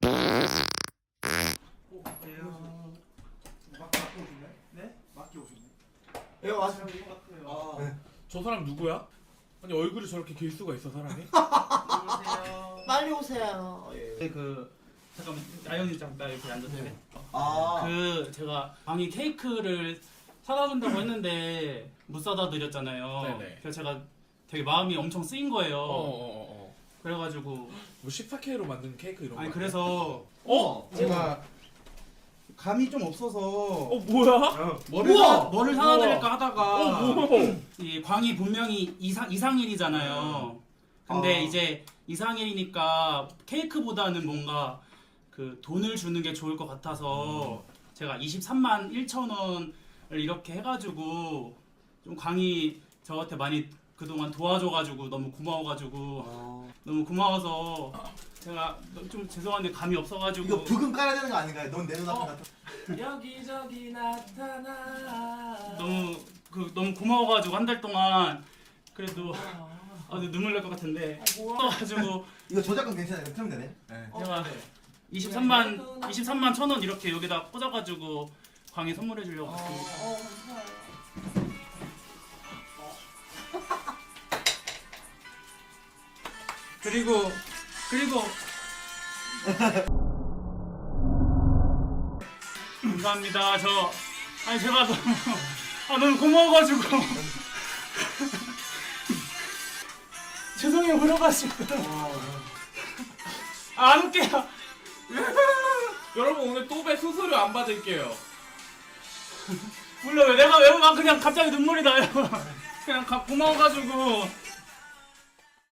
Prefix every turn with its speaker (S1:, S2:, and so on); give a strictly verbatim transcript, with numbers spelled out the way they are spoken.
S1: 예, 맞아요.
S2: 아, 네. 저 사람 누구야? 아니 얼굴이 저렇게 길 수가 있어 사람이?
S3: 안녕하세요.
S1: 빨리 오세요. 예.
S3: 그 잠깐만 아영이 잠깐 이렇게 앉아도 돼?
S1: 아,
S3: 그 제가 방이 케이크를 사다 준다고 했는데 못 사다 드렸잖아요.
S2: 네네.
S3: 그래서 제가 되게 마음이 엄청 쓰인 거예요.
S2: 어어어 어.
S3: 그래가지고
S2: 뭐 십사 케이로 만든 케이크 이런 거.
S3: 아니 그래서
S2: 어?
S3: 제가 감이 좀 없어서
S2: 어 뭐야?
S3: 뭐를
S2: 우와!
S3: 사, 뭐를 사다
S2: 우와!
S3: 드릴까 하다가
S2: 어 뭐야?
S3: 이 광이 분명히 이상 이상일이잖아요. 근데
S1: 아.
S3: 이제 이상일이니까 케이크보다는 뭔가 그 돈을 주는 게 좋을 것 같아서 제가 이십삼만 일천 원을 이렇게 해가지고 좀 광이 저한테 많이 그동안 도와줘가지고 너무 고마워가지고
S1: 어.
S3: 너무 고마워서 제가 좀 죄송한데 감이 없어가지고
S1: 이거 부금 깔아야 되는 거 아닌가요? 넌 내 눈앞에
S2: 어.
S1: 나타.
S2: 여기저기 나타나.
S3: 너무 그 너무 고마워가지고 한 달 동안 그래도 아 근데 눈물 날 것 같은데 가지고
S1: 이거 저작권 괜찮아요? 틀면 되네. 네.
S3: 제가 이십삼만 이십삼만 천 원 이렇게 여기다 꽂아가지고 광에 선물해 주려고 왔습니다. 그리고 그리고 감사합니다. 저 아니 제가 너무 아 너무 고마워가지고 죄송해요 울어가지고 아, 안 웃겨요.
S2: 여러분 오늘 또배 수수료 안 받을게요.
S3: 몰라요. 내가 왜 막 그냥 갑자기 눈물이 나요. 그냥 가, 고마워가지고